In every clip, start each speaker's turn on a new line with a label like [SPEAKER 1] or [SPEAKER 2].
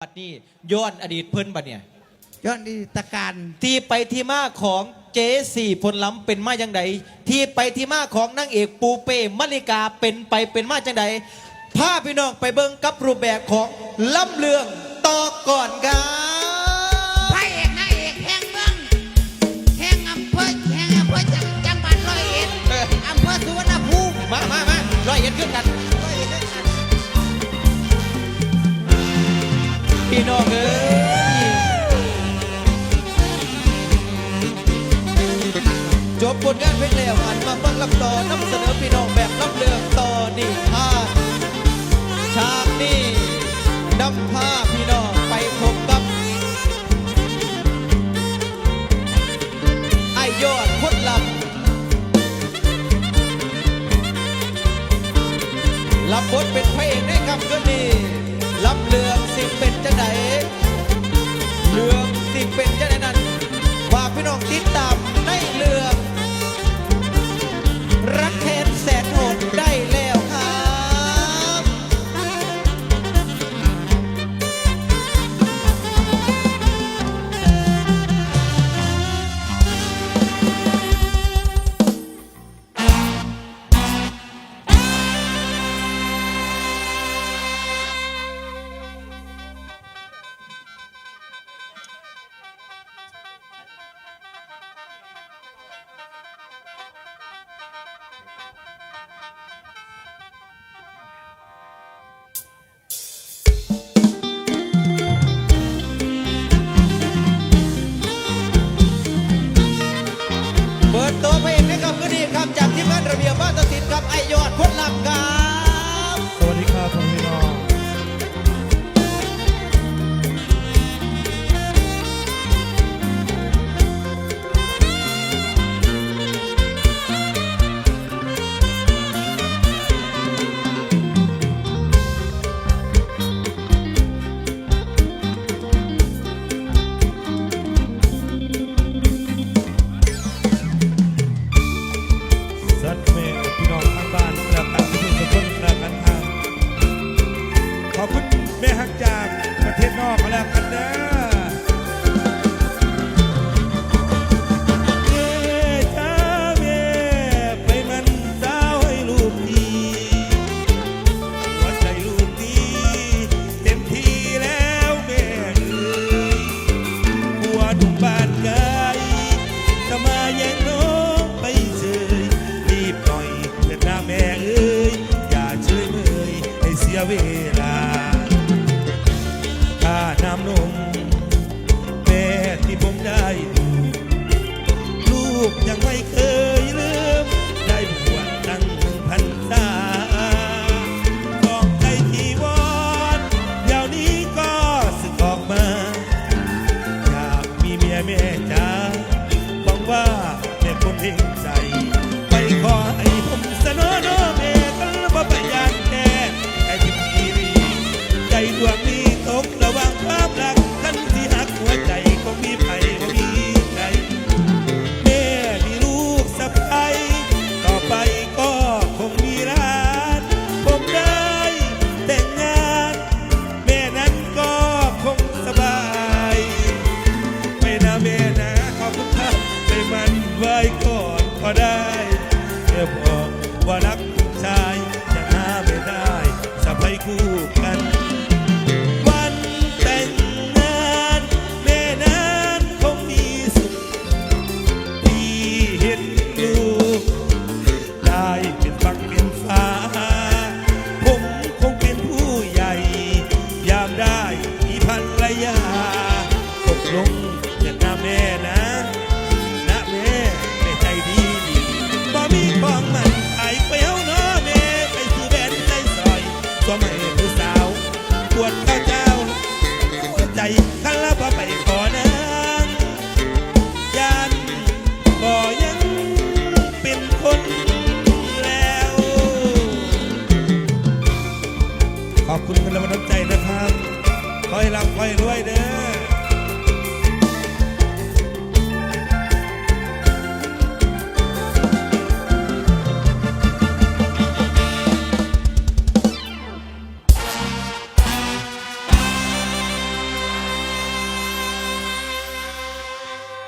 [SPEAKER 1] บัดนี้ย้อนอดีตเพิ่นบัดเนี่ย
[SPEAKER 2] ย้อนดีตการ
[SPEAKER 1] ที่ไปที่มาของเจสี่พลล้ำเป็นมาจังใดที่ไปที่มาของนางเอกปูเป้มลิกาเป็นไปเป็นมาจังใดพาพี่น้องไปเบิ่งกับรูปแบบของล่ำเลืองต่อก่อนครับ
[SPEAKER 3] พระเอกนางเอกแห่งเมืองแห่งอำเภอจังหวัดร้อยเอ็ดอำเภอสุวรรณภูมิ
[SPEAKER 1] มาร้อยเอ็ดขึ้นกันพี่น้องเอ้ยจบผลงานเพลงแล้วหันมาฟังลำต่อนำเสนอพี่น้องแบบลำเลืองต่อนี่ฉากนี้นำพาพี่น้องไปพบกับไอ้ยอดพดลำรับบทเป็นพระเอกในคำคืนนี้ลำเลืองสิเป็นจังไหนเรื่องสิเป็นจังไหนนั้นฝากพี่น้องติดตามในเรื่องรักแทนแสนโหดได้แล้วครับเปิดตัวเพลงนะครับก็ดีครับจากทีมงานระเบียบบ้านตัดสินกับไอยอดพลลำครับ
[SPEAKER 4] สวัสดีครับพี่น้องสัตว์เมย์พี่น้องทางบ้านและการทุกคนและการทางขอบคุณแม่ฮักจากประเทศนอกมาแล้วกันนะเย่จ้าแม่ไปมันสาวให้ลูกดีหัวใจลูกดีเต็มที่แล้วแม่เอ๋ยหัวดุมบ้านไกลจะมาแย่งน้องไปเฉยรีบหน่อยเถิดนะแม่เอ๋ยอย่าเฉยเมยให้เสียเวลาค่าน้ำนมแม่ที่ผมได้ดูลูกยังไม่เคยลืมได้บวชตั้ง1,000 พรรษาของใจที่วอนเดี๋ยวนี้ก็สึกออกมาอยากมีเมียแม่จ๋าหวังว่าแม่คนเห็นใจไปขอให้ผมเสนอน้อแม่กันว่าไปยานแค่ไอ้ที่พี่รีใจดวงนี้ตกระหว่างความรักท่านที่หักหัวใจคงมีไผ่บ่มีใจแม่มีลูกสะใภ้ต่อไปก็คงมีร้านผมได้แต่งงานแม่นั้นก็คงสบายไม่นะแม่นะขอบคุณครับไปมันไว้ก่อนก็ได้เธอบอกว่ารักชายจะหาไม่ได้สะใภ้คู่กันวันแต่งงานแม่นั้นคงมีสุขที่เห็นลูกได้เป็นฝั่งเป็นฟ้าผมคงเป็นผู้ใหญ่ยามได้มีภรรยาตกลงจะนะแม่นะแม่ใจดีบ่มีของมันขายเปรี้ยวเนาะแม่ไปซื้อแบนใจซอยตัวใหม่ผู้สาวปวดข้าวเจ้าหัวใจข้าละบ่ไปขอนางยันบ่ยังเป็นคนแล้ว ขอบคุณกันแล้วน้ำใจนะครับขอให้ร่ำขอให้รวยเด้อ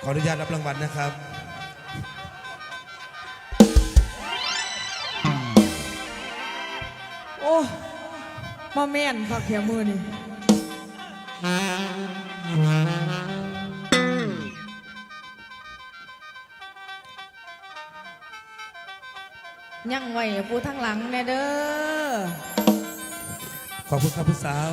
[SPEAKER 4] ขออนุญาตรับรางวัลนะครับ
[SPEAKER 5] โอ้มาแม่นคักแค่มือนี่ยังไหวผู้ทั้งหลังแน่เด้อ
[SPEAKER 4] ขอบคุณครับผู้สาว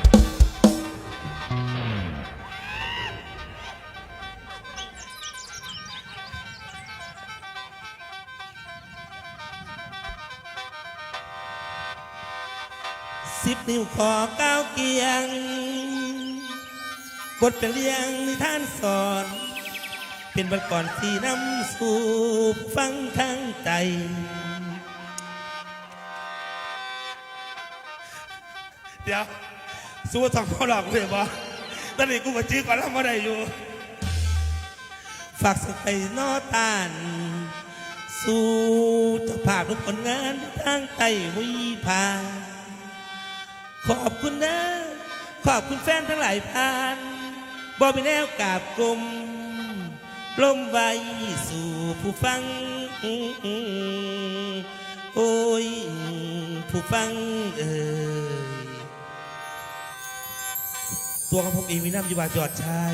[SPEAKER 4] 10 นิ้วขอก้าวเกียง บทเป็นเรียงนิทานสอน เป็นบทก่อนที่นำสู่ฟังทางใจ เดี๋ยวสู้สองพ่อหลอกเลยบ่ตอนนี้กูมาจื้อก่อนแล้วมาได้อยู่ ฝากสักไปนอตาน สู่เจ้าภาพทุกผลงานทางไต้วิภาขอบคุณนะขอบคุณแฟนทั้งหลายผ่านบ่มีแนวกราบกลมลมไว้สู่ผู้ฟังโอ้ยผู้ฟังตัวของผมเองมีน้ำอยู่บาจอดชาย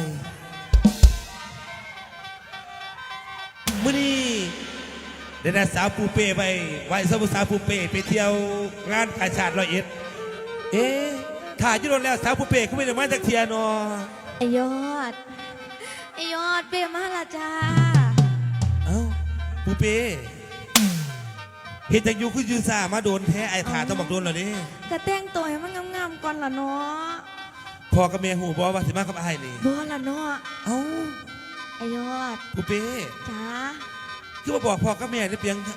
[SPEAKER 4] มื้อนี้ได้นัดสาวปูเป้ไปไหว้สาวสาวปูเป้ไปเที่ยวงานกาชาด101ถ่ายยุโรปแล้วสาวปูเป้เขาไม่ได้มาจากเทียนอ
[SPEAKER 6] ไอยอดเปมาละจ้า
[SPEAKER 4] เอ้าปูเป้เห็นจากยูคือยูซามาโดนแท้ไอ้ถ่าต้องบอกโดนเหรอนี่
[SPEAKER 6] กระแต่งตัวให้มันงามๆก่อนละเนาะ
[SPEAKER 4] พอกับเมียหูบอกว่าสิมากับไอ้นี่
[SPEAKER 6] บ่ละเนาะ
[SPEAKER 4] เอ้า
[SPEAKER 6] ไอยอด
[SPEAKER 4] ปูเป้
[SPEAKER 6] จ้า
[SPEAKER 4] คือมาบอกพ่อกับแม่ได้เพียง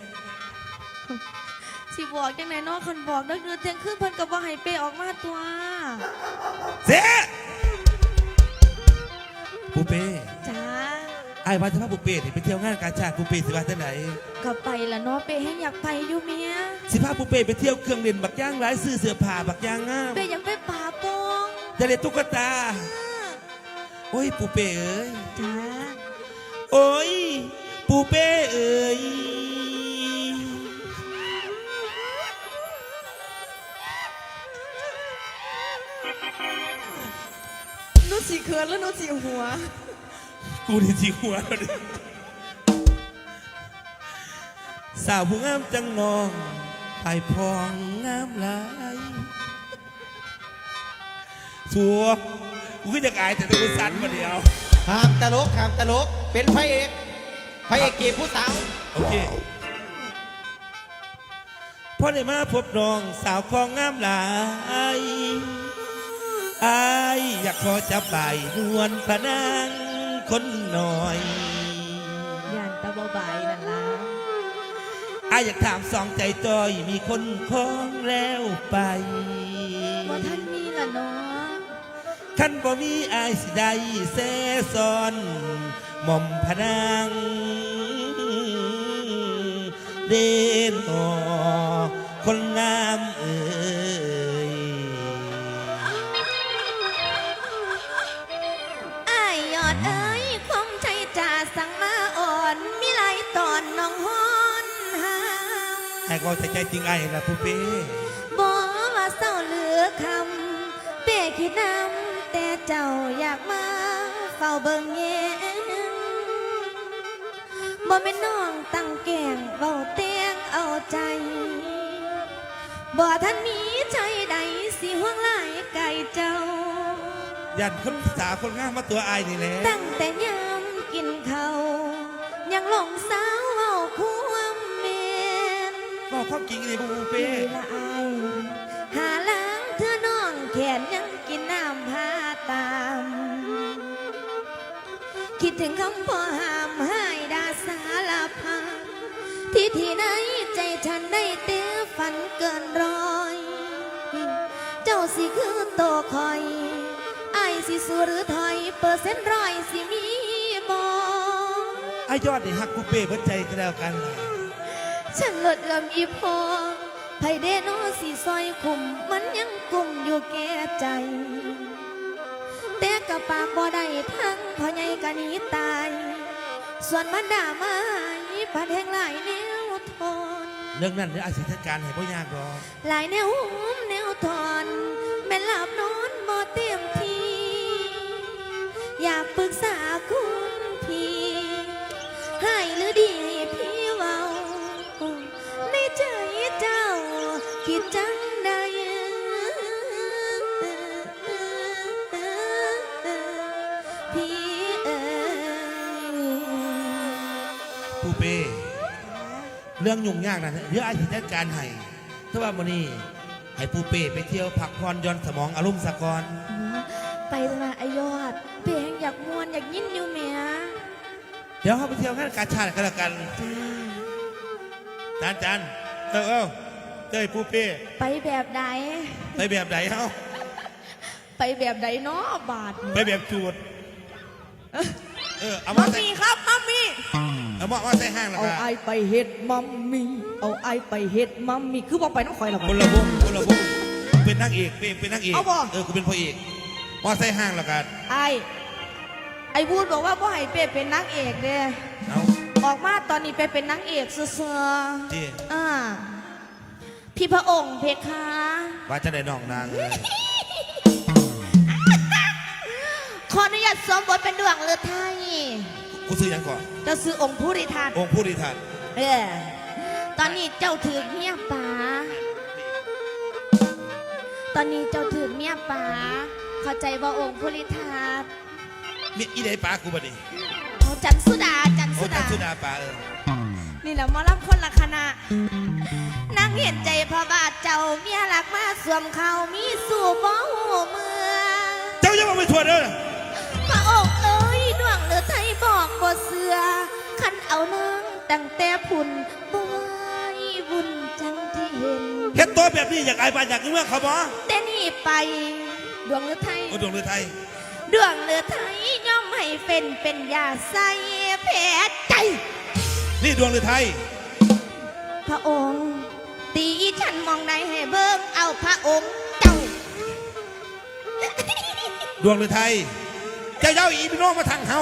[SPEAKER 6] สิบอกจังไหนเนาะคนบอกเด้อเที่ยงคืนเพิ่นก็บ่ให้เปออกมาตัว
[SPEAKER 4] เสียปูเป้
[SPEAKER 6] จ้า
[SPEAKER 4] ไอ้ว่าจะพาปูเป้นี่ไปเที่ยวงานกาชาดปูเป้สิว่าที่ไหน
[SPEAKER 6] ก็ไปละเนาะเปให้อยากไปอยู่เมีย
[SPEAKER 4] สิพาปูเป้ไปเที่ยวเครื่องเล่นบักย่างร้ายซื้อเสื้อผ้าบักย่างงาม
[SPEAKER 6] เปอยากไปป่าโปง
[SPEAKER 4] จะเล่นตุ๊กตา โอ้ยปูเป้เอ้ย
[SPEAKER 6] จ้า
[SPEAKER 4] โอ้ยปูเป้เอ้ย
[SPEAKER 5] นุชสีเขินแล้วนุชสีหัว
[SPEAKER 4] กูที่จีหัวเลยสาวผู้งามจังนองไปพองงามหลายสัวกูก็จะอายแต่ตัวสั่นมาเดียว
[SPEAKER 1] ห้ามตลกเป็นพระเอกเก็บผู้สาว
[SPEAKER 4] โอเคพ่อได้มาพบน้องสาวของงามหลายอายอยากขอจับใบนวลพระนางคนหน่อย
[SPEAKER 6] ย่านตะบ่บายนั่นล่ะ
[SPEAKER 4] อายอยากถามสองใจจอยมีคนคล้องแล้วไป
[SPEAKER 6] บ่ทันมีละเนาะ
[SPEAKER 4] ขันบ่มีอายสิได้แซ่ซ้อนหม่อมพระนางเด่นออคนงามเอ่ย
[SPEAKER 6] อ้ายยอดเอ้ยคงใจจ่าสั่งมาอ่อนมีหลายตอนน้องฮอนหาม
[SPEAKER 4] ไอ้ก็ใจจริงไอ้ละผู้เป้
[SPEAKER 6] บ่ว่าเศร้าเหลือคำเป้คิดนำแต่เจ้าอยากมาเฝ้าเบิ่งแยงบ่แม่นน้องตั้งแกล้งเว้าเตียงเอาใจบ่ทันมีใจใดสิห่วงหลายไก่เจ้า
[SPEAKER 4] ยันคนสาวคนงามมาตัวไอ้นี่แหละ
[SPEAKER 6] ตั้งแต่ยามกินข้าวยังหลงสาวเว้าความเมน
[SPEAKER 4] บอกความจริงเลยผู้เป้
[SPEAKER 6] ปีละอายหาล้างเธอน้องแขนยังกินน้ำพาตาม คิดถึงคำพ่อห้ามให้ดาสารพันที่ไหนใจฉันได้เตื้อฝันเกินร้อย เจ้าสิคือโตคอยไอ้ายสิสู้หรือถอยเปอร์เซ็นต์ร้อยสิมีบอ
[SPEAKER 4] ไอ้ยอดนี่ฮักผู้เป้เบิดใจก็แล้วกันล่ะ
[SPEAKER 6] ฉันลดลำอีพอไผเดโนสิซอยคุมมันยังกุมอยู่แก่ใจ แต่กับปากบ่ได้ทั้งพ่อใหญ่ก็หนีตาย ส่วนมันด่าไม้ปัดแห่งหลายแนวทน
[SPEAKER 4] เรื่องนั้นเดี๋ยวอาจสิจัดการให้พ่อยากรอก
[SPEAKER 6] หลายแนวหุ้มแนวทอนแม่นหลับนอนบ่เต็มทีอยากปรึกษาคุณพี่ให้หรือดีให้พี่เว้าในใจเจ้าคิดจังใดพี่เอ๋ย
[SPEAKER 4] ผู้เป้เรื่องยุ่งยากนะเดี๋ยวอาจสิจัดการให้ถ้าว่ามื้อนี้ให้ผู้เป้ไปเที่ยวพักผ่อนหย่อนสมองอารมณ์สะก่อน
[SPEAKER 6] ไปมาไอยอดเพลงอยากมวนอยากยินอยู่เมีย
[SPEAKER 4] เดี๋ยวเขาไปเที่ยวงานกาชาติกันแล้วกันจานเจ้ยผู้เป้
[SPEAKER 6] ไปแบบใด
[SPEAKER 4] ไปแบบไหนเฮา
[SPEAKER 6] ไปแบบใดเนาะบาท
[SPEAKER 4] ไปแบบจูดเอา
[SPEAKER 5] มั
[SPEAKER 4] มาม ใส่
[SPEAKER 5] มี่ครับมัมมี่
[SPEAKER 4] เอามาใส่ห้างแล้ว
[SPEAKER 5] เอา
[SPEAKER 4] กัน
[SPEAKER 5] ไอไปเฮ็ดมัมมี่เอาไอไปเฮ็ดมัมมี่คือบอกไปน้องคอยหรอ
[SPEAKER 4] คนละวงเป็นนางเอกเป็นนางเอก
[SPEAKER 5] เอาบ่
[SPEAKER 4] กูเป็นพ่อเอกมาใส่ห้างแล้วกัน
[SPEAKER 5] ไอพูดบอกว่าพ่อให้เป้เป็นนางเอกเด้
[SPEAKER 4] เอา
[SPEAKER 5] ออกมาตอนนี้ไปเป็นนางเอกเสือ
[SPEAKER 4] ที่
[SPEAKER 6] พี่พระองค์เพคะ
[SPEAKER 4] ว่าจะได้น้องนางเลย
[SPEAKER 6] ขออนุญาตสวมบทเป็นดวงฤทัย
[SPEAKER 4] กูซื้อยังก่อน
[SPEAKER 6] เจ้าซื้อองค์ผู้ริทัน
[SPEAKER 4] องค์ผู้ดีทัน
[SPEAKER 6] ตอนนี้เจ้าถือเมียป๋าตอนนี้เจ้าถือเมียป๋าเข้าใจว่าองค์ผู้ริทัน
[SPEAKER 4] มีอีเดป้ากูบ่ดิ
[SPEAKER 6] เขาจันสุดาจัน
[SPEAKER 4] โอ้
[SPEAKER 6] สุ
[SPEAKER 4] จั
[SPEAKER 6] ดา
[SPEAKER 4] นสุดาป้า
[SPEAKER 6] นี่แหละหมอลำคนละคณะนั่งเห็นใจพระบาทเจ้าเมียหลักมาสวมเขามีสู่บ่หูเมือ
[SPEAKER 4] เจ้าอย่ามาไปทวดเด้อ
[SPEAKER 6] พระองค์เอ้ยดวงเลือไทยบอกบ่เสือขันเอานางตั้งแต่พุ่นบ่ไหวบุญจังที่เห็น
[SPEAKER 4] เฮ็ดตัวแบบนี้อยากอายบ้านอยากเมืองเขาบ่
[SPEAKER 6] แต่นี่ไปดวงเลือไทย
[SPEAKER 4] โอ้ดวงเรือไทย
[SPEAKER 6] ดวงเลือไทยย่อมให้เป็นยาใส่แผลใจ
[SPEAKER 4] นี่ดวงเรือไทย
[SPEAKER 6] พระองค์ตีฉันมองในให้เบิ่งเอาพระองค์เจ้า
[SPEAKER 4] ดวงเรือไทยเจ้าเย้าอีพี่น้องมาทางเฮา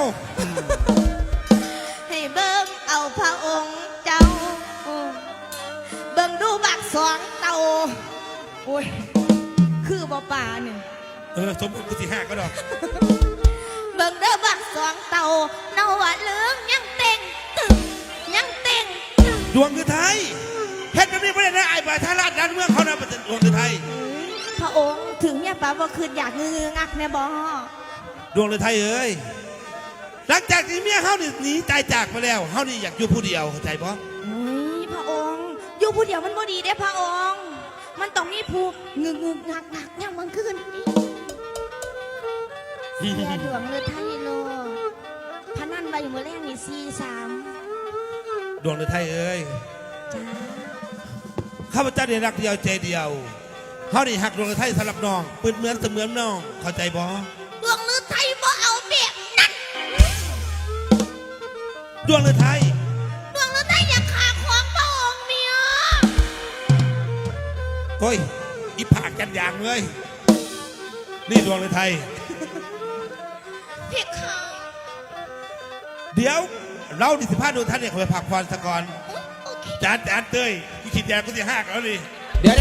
[SPEAKER 6] ให้เบิ่งเอาพระองค์เจ้า เบิ่งดูบักสองเต่า
[SPEAKER 5] โอ้ยคือบ่ป่าเนี่ย
[SPEAKER 4] สมมติกูสิห้าก็ดอก
[SPEAKER 6] เบิ่งเด้อบักสองเต่าเนาว่าเหลืองยังเต่งตึงยังเต่งตึง
[SPEAKER 4] ดวงเรือไทยเฮ็ดแบบนี้ไม่ได้นะอายบ้านทาราชด้านเมืองเขานะเป็นดวงเรือไทย
[SPEAKER 6] พระองค์ถึงเนี่ยป้าบ่คืนอยากงืองักแน่บ่
[SPEAKER 4] ดวงเรือไทยเอ้ยหลังจากที่เมียเฮานี่หนีตายจากไปแล้วเฮานี่อยากอยู่ผู้เดียวเข้าใจบ่
[SPEAKER 6] โอ้ยพระองค์อยู่ผู้เดียวมันบ่ดีเด้พระองค์มันต้องมีผู้งึกงักยังมันคืนนี่เสียดวงเลือไทยโลพนันไว้มื้อแรกนี่4-3
[SPEAKER 4] ดวงเรือไทยเอ้ย
[SPEAKER 6] จ้า
[SPEAKER 4] ข้าพเจ้าได้รักเดียวใจเดียวเฮานี่หักดวงเรือไทยสำหรับน้องเปื้อนเหมือนเสมือนน้องเข้าใจบ่
[SPEAKER 6] ดวงเลือไทยบ่เอาแบบนั้น
[SPEAKER 4] ดวงเรือไทย
[SPEAKER 6] ดวงเลือไทยอยากขาของพระองค์เมีย
[SPEAKER 4] โอ้ยอีผากกันอย่างเลยนี่ดวงเรือไทย
[SPEAKER 6] เพคะ
[SPEAKER 4] เดี๋ยวเราดิสิพาดวงท่านเนี่ยเขาไปพักผ่อนสะก่อน
[SPEAKER 6] โอเค
[SPEAKER 4] จานเต้ยกูคิดแดงกูสิหักแล้วนี่
[SPEAKER 1] เดี๋ยว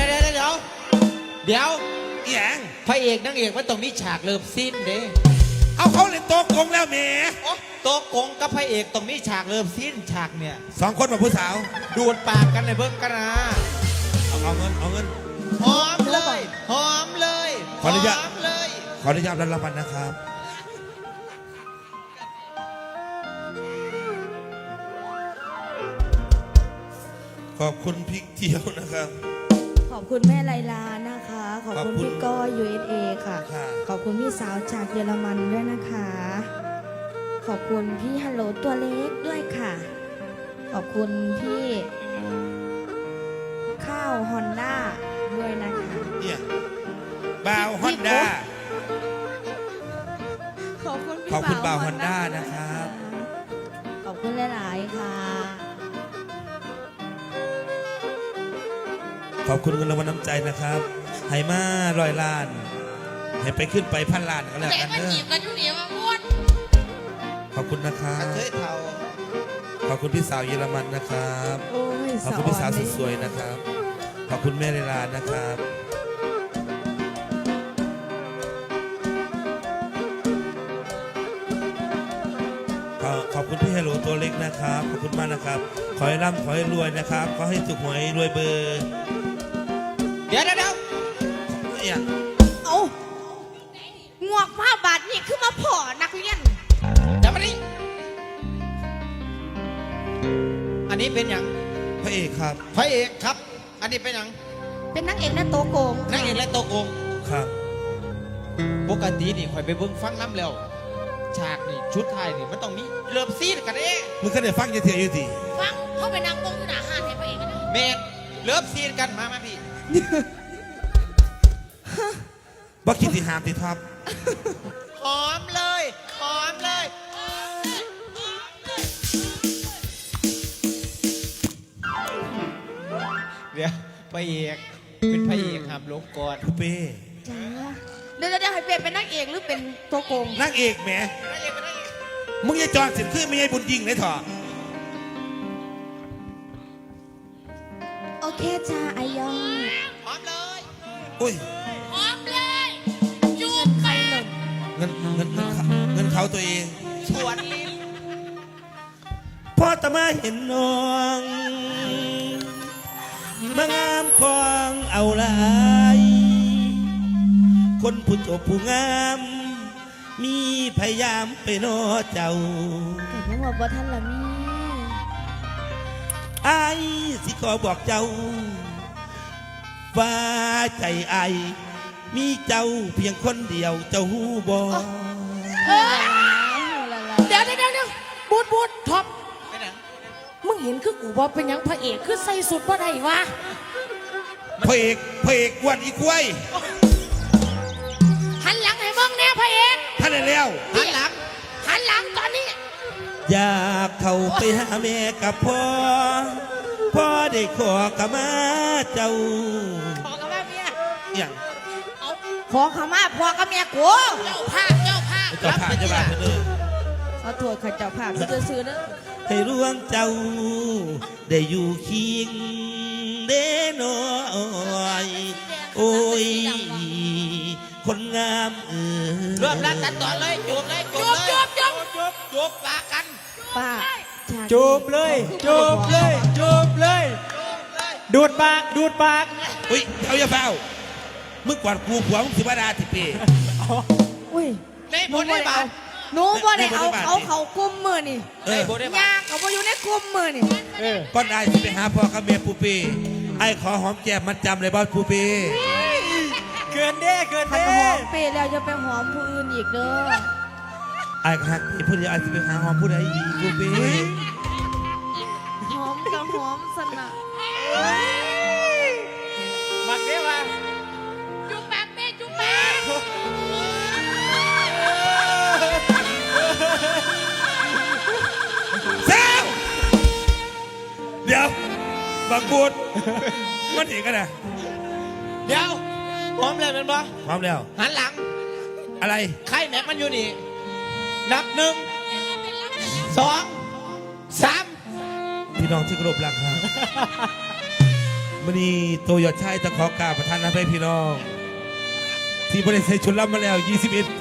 [SPEAKER 4] อีหยัง
[SPEAKER 1] พระเอกนางเอกมันต้องมีฉากเริ่มสิ้นเด้
[SPEAKER 4] เอาเขาเล่นโต๊ะกงแล้วแหม
[SPEAKER 1] โต๊ะกงกับพระเอกต้องมีฉากเริ่มสิ้นฉากเนี่ย
[SPEAKER 4] สองคนมาผู้สาว
[SPEAKER 1] ดูดปากกันในเบิ้งกันนะ
[SPEAKER 4] เอาเงิน
[SPEAKER 1] หอมเลยหอมเลย
[SPEAKER 4] ขออนุญาต
[SPEAKER 1] หอมเลย
[SPEAKER 4] ขออนุญาตรับรางวัลนะครับขอบคุณพริกเจียวนะครับ
[SPEAKER 6] ขอบคุณแม่ไลลานะคะ ขอบ
[SPEAKER 4] ขอบ
[SPEAKER 6] คุณ
[SPEAKER 4] คุณ
[SPEAKER 6] พี่ก้อย USA ค่ะ
[SPEAKER 4] ค่ะ
[SPEAKER 6] ขอบคุณพี่สาวจากเยอรมันด้วยนะคะ ขอบคุณพี่ฮัลโหลตัวเล็กด้วยค่ะ ขอบคุณพี่ข้าวฮอนด้าด้วยนะคะ
[SPEAKER 4] เนี่ยบาวฮอนด้า
[SPEAKER 6] ขอบคุณพี่
[SPEAKER 4] ขอบคุณบ่าว
[SPEAKER 6] ฮ
[SPEAKER 4] Honda นะครับ
[SPEAKER 6] ขอบคุณหลาย ๆ ค่ะ
[SPEAKER 4] ขอบคุณเงินรางวัลน้ำใจนะครับไหมา100 ล้านไหให้ไปขึ้นไปพันล้านก็แล้ว
[SPEAKER 3] แต่
[SPEAKER 4] กัน
[SPEAKER 3] มัน
[SPEAKER 4] เน
[SPEAKER 3] จี
[SPEAKER 4] อะ
[SPEAKER 3] บกันอยู่นี่ว่าม้วน
[SPEAKER 4] ขอบคุณนะครับ
[SPEAKER 1] เฮ้ยเท่า
[SPEAKER 4] ขอบคุณพี่สาวเยอรมันนะครับ
[SPEAKER 5] โอ้ย
[SPEAKER 4] ขอบคุณพี่สาวสุด
[SPEAKER 5] เลย
[SPEAKER 4] สวยนะครับ ขอบคุณแม่เลลานะครับ ขอบคุณพี่เฮโลตัวเล็กนะครับ ขอบคุณมากนะครับ ขอให้ร่ำขอให้รวยนะครับ ขอให้ถูกหวยรวยเบอร์
[SPEAKER 1] เดี๋ยว
[SPEAKER 4] เนี่ย
[SPEAKER 6] เอางวกผ้าบาทนี่คือมาพ่อนักเรียน
[SPEAKER 1] เดี๋ยวมาดิอันนี้เป็นอย่าง
[SPEAKER 4] พระเอกครับ
[SPEAKER 1] พระเอกครับ อันนี้เป็นอย่าง
[SPEAKER 6] เป็นนักเอกและโตโกง
[SPEAKER 1] นางเอกและโตโกง
[SPEAKER 4] ครับ
[SPEAKER 1] ปกตินี่ข่อยไปเบิ่งฟังน้ำแล้วฉากนี่ชุดไทยนี่มันต้องมีเริ่มซีดกันเด้
[SPEAKER 4] มึงก็ได้ฟังจะเถียงอยู่ที
[SPEAKER 3] ฟังเขาไปนั่งวงอยู่หน้าห้างให้พระเอกกันนะ
[SPEAKER 1] เมนเริ่มซีดกันมาพี่
[SPEAKER 4] บ่คิดที่หามที่ท็อป
[SPEAKER 1] หอมเลยหอมเลยเดี๋ยวพระเอกเป็นพระเอกห้ามลงก่อน
[SPEAKER 4] ผู้เป้
[SPEAKER 6] จ้าเดี๋ยวให้เปลี่ยนเป็นนักเอกหรือเป็นโตโกง
[SPEAKER 4] นางเอกแหม
[SPEAKER 1] พระเอกเป็นพระเอก
[SPEAKER 4] มึงอย่าจอดสิขึ้นไม่ใช่บุญยิงเลยเถอะ
[SPEAKER 6] โอเคจ้าไอยอง
[SPEAKER 1] หอมเลย
[SPEAKER 4] อุ้ย
[SPEAKER 3] พร้อมเลยจูบไปเลย
[SPEAKER 4] เงินเขาตัวเอง
[SPEAKER 1] สวนลิ้น
[SPEAKER 4] พอตะมาเห็นน้องมางามของเอาหลายคนผู้จบผู้งาม มีพยายามไปนอเจ้า
[SPEAKER 6] แต่ยังว่าบ่ทันละมี
[SPEAKER 4] ไอ้ายสิขอบอกเจ้าว่าใจไอ้ายมีเจ้าเพียงคนเดียวเจ้าหูบอ
[SPEAKER 5] เดี๋ยวบูดท็อป
[SPEAKER 1] เป็นหยัง
[SPEAKER 5] มึงเห็นคือกูว่าเป็นหยังพระเอกคือใส่สุดว่าไดวะ
[SPEAKER 4] พระเอกอ้วันอีกล้วย
[SPEAKER 5] หันหลังให้เบิ่งแน่พระเอก
[SPEAKER 4] ท่านได้แล้ว
[SPEAKER 1] หันหลัง
[SPEAKER 5] หันหลังตอนนี้
[SPEAKER 4] อยากเข้าไปหาแม่กับพ่อพ่อได้ขอกะมาเจ้า
[SPEAKER 5] ขอกับแม่เมีย
[SPEAKER 4] อย่าง
[SPEAKER 6] ขอขมาพ่อกับแม่กู
[SPEAKER 3] เจ้าภาพเจ้าภาพ
[SPEAKER 4] เจ้าผ่าเจ้าบ้านเด้อ
[SPEAKER 6] ขอโทษข้าเจ้าภาพที่จะซื้อเด้อ
[SPEAKER 4] ให้ร่วงเจ้า ได้อยู่เคียงเด้น้อยโอ้ย คนงาม
[SPEAKER 1] เริ่มรัดตัดต่อเลยจูบเลยจูบเลยจูบปากกัน
[SPEAKER 6] ป้าฉากนี้
[SPEAKER 7] จูบเลยจูบเลยจูบเลย ดูดปากดูดปาก
[SPEAKER 4] อุ้ยเอาอย่าเฝ้ามึงกวาดกูผัวมึงสิบดาทิเป้
[SPEAKER 6] อุ้ย
[SPEAKER 1] ในบทได้บาท
[SPEAKER 6] หนูบ่ได้เอา
[SPEAKER 4] ในบทได้บาท
[SPEAKER 6] เขากุมมือนี่
[SPEAKER 4] เออ
[SPEAKER 1] ในบทได้บาท
[SPEAKER 6] ยากเขาบ่อยู่ในกุมมือนี่
[SPEAKER 7] เออ
[SPEAKER 4] ก่อนไอ้สิไปหาพ่อกับแม่ปูเป้ไอ้ขอหอมแก้มมัดจำเลยบ้านปูเป้
[SPEAKER 7] เกินเด้เกิน
[SPEAKER 6] ถ้า
[SPEAKER 7] เด้
[SPEAKER 6] หอมเปรย์แล้วจะไปหอมผู้อื่นอีกเด้อ
[SPEAKER 4] ไอ้ก็หักพี่พูดเดียวไอ้สิไปหาหอมผู้ใดอีกปูเป้
[SPEAKER 6] หอมกับหอมสนะ
[SPEAKER 7] มักเด้ว่า
[SPEAKER 3] จุ๊บแป๊บแม่จุ๊บแป๊บ
[SPEAKER 4] เซลเดี๋ยวบางบูดมันเห็นกันนะ
[SPEAKER 1] เดี๋ยวพร้อมเลยเป็นปะ
[SPEAKER 4] พร้อมแล้ว
[SPEAKER 1] หันหลัง
[SPEAKER 4] อะไร
[SPEAKER 1] ใครแม็กมันอยู่นี่ นับหนึ่งสองสาม
[SPEAKER 4] พี่น้องที่เคารพรักครับวันนี้โตยอดชายตะขอกราบประธานอภัยพี่น้อง ที่บริษัทชุนรับมาแล้ว 21 ปี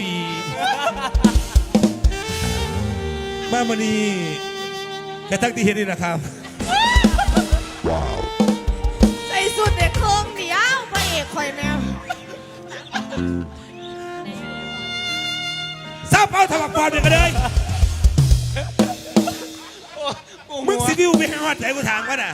[SPEAKER 4] มาวันนี้กระทั่งที่เห็นนี่นะครับ
[SPEAKER 6] ใส่สุดเด็กเครื่องเดียวพระเอกคอยแมว
[SPEAKER 4] ทราบเป้าถวักบอลเนี่ยกันเลย มึงสิวิวไปหาวัดใจกูถามกันน่ะ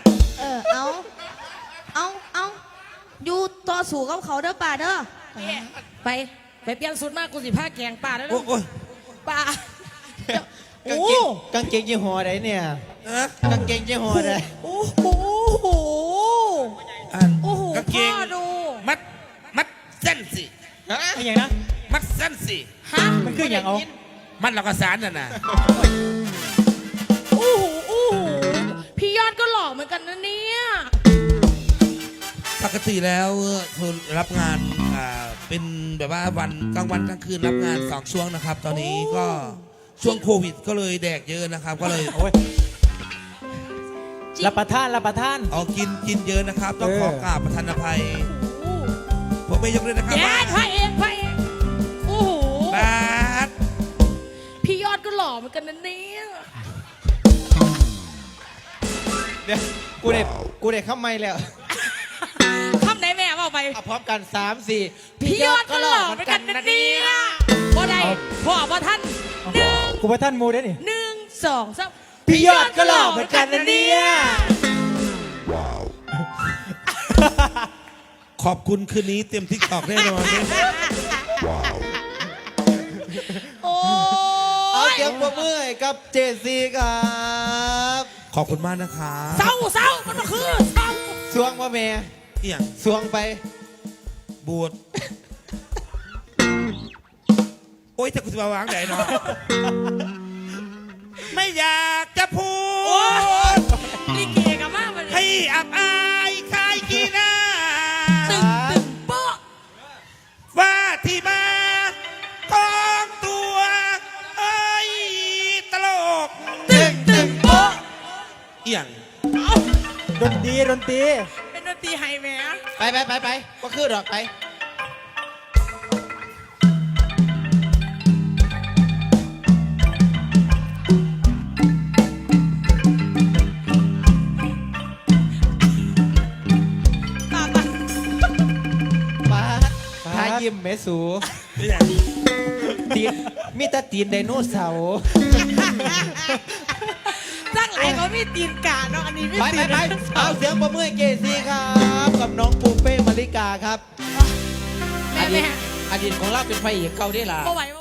[SPEAKER 6] เอาอยู่ต่อสู้กับเขาเด้อป่าเด้อ
[SPEAKER 5] ไปเปลี่ยนสุดมากกูสิผ้าแกงป่าแล้ว
[SPEAKER 4] โอ้ย
[SPEAKER 5] ป่าก
[SPEAKER 1] างเกงกางเกงยี่ห้อใดเนี่ย
[SPEAKER 4] อะ
[SPEAKER 1] กางเกงยี่ห้อใด
[SPEAKER 5] โอ้โห
[SPEAKER 4] อัน
[SPEAKER 5] โอ้โห
[SPEAKER 4] กางเกง
[SPEAKER 5] พ่อดู
[SPEAKER 4] มัดเส้นสิ
[SPEAKER 1] ฮะ
[SPEAKER 7] ไอ้อย่างนะ
[SPEAKER 4] มัดเส้นสิ
[SPEAKER 5] ฮะ
[SPEAKER 7] มันคืออย่างเอา
[SPEAKER 4] มัดเราก็สารน่ะนะ
[SPEAKER 5] โอ้โหพี่ยอดก็หล่อเหมือนกันนะเนี่ย
[SPEAKER 4] ปกติแล้วเธอรับงานเป็นแบบว่าวันกลางวันกลางคืนรับงาน2 ช่วงนะครับ ตอนนี้ก็ช่วงโควิดก็เลยแดกเยอะนะครับ ก็เลย
[SPEAKER 7] โอ้ยรับประทานรับประทาน
[SPEAKER 4] เอากินเยอะนะครับ ต้องขอกราบประทานอภัยผมไม่ยกเลยนะครับ
[SPEAKER 5] แย่พระเอกพระเอกโอ้โห
[SPEAKER 4] บาส
[SPEAKER 5] พี่ยอดก็หล่อเหมือนกันนะเนี่ย
[SPEAKER 1] เดี๋ยวกูเด็กเข้าไม่แล้ว
[SPEAKER 5] คำไหนแม่เอาไป
[SPEAKER 1] เอาพร้อมกัน 3 4
[SPEAKER 5] พี่ยอดก็หล่อเหมือนกันนะเนี่ยบ่ได้พ่อบ่ท่าน1
[SPEAKER 7] กูประท่านมูได้นี่
[SPEAKER 5] 1 2 3
[SPEAKER 1] พี่ยอดก็หล่อเหมือนกันนะเนี่ย
[SPEAKER 4] ขอบคุณคืนนี้เต็มทิกตอกแน่นอน
[SPEAKER 5] โอ้
[SPEAKER 1] เอา
[SPEAKER 5] ย
[SPEAKER 1] เสียงปรบมือให้กับเจซีครับ
[SPEAKER 4] ขอบคุณมากนะครับ
[SPEAKER 5] เศร้ามันก็คือเศร้า
[SPEAKER 1] สวงว่าแม่
[SPEAKER 4] เอี่ยง
[SPEAKER 1] สวงไป
[SPEAKER 4] บูดโอ้ยแต่กูจะมาวางไหนเนาะ ไม่อยากจะพูด
[SPEAKER 5] ลิเกกับมากมัน
[SPEAKER 4] ให้อับอายคายกีหน้า
[SPEAKER 5] ตึงโป๊ะ
[SPEAKER 4] ว่าที่มาของตัวไอ้ตลก
[SPEAKER 5] ตึงโป๊ะ
[SPEAKER 4] เอี่ยง
[SPEAKER 7] ดนตรีดนตรี
[SPEAKER 5] เป็นดนตรีไฮแม่
[SPEAKER 1] ไปก็คือดอกไป
[SPEAKER 5] ตา
[SPEAKER 1] มาทายิ้มแม่สู
[SPEAKER 4] เอี่ยง
[SPEAKER 1] ตีนมีแตาตีนไดโนเสาร์
[SPEAKER 5] จ้างหลายเขามีตีนกาเนาะอันนี้ไม่
[SPEAKER 1] ไป
[SPEAKER 5] ตีน
[SPEAKER 1] เอาเสียงปรบมือให้เจซีครับ กับน้องปูเป้มาริกาครับ
[SPEAKER 5] แม่
[SPEAKER 1] อดีตของเราเป็นไฟเอกเก่าได้ล่ะ
[SPEAKER 5] บ่ไหว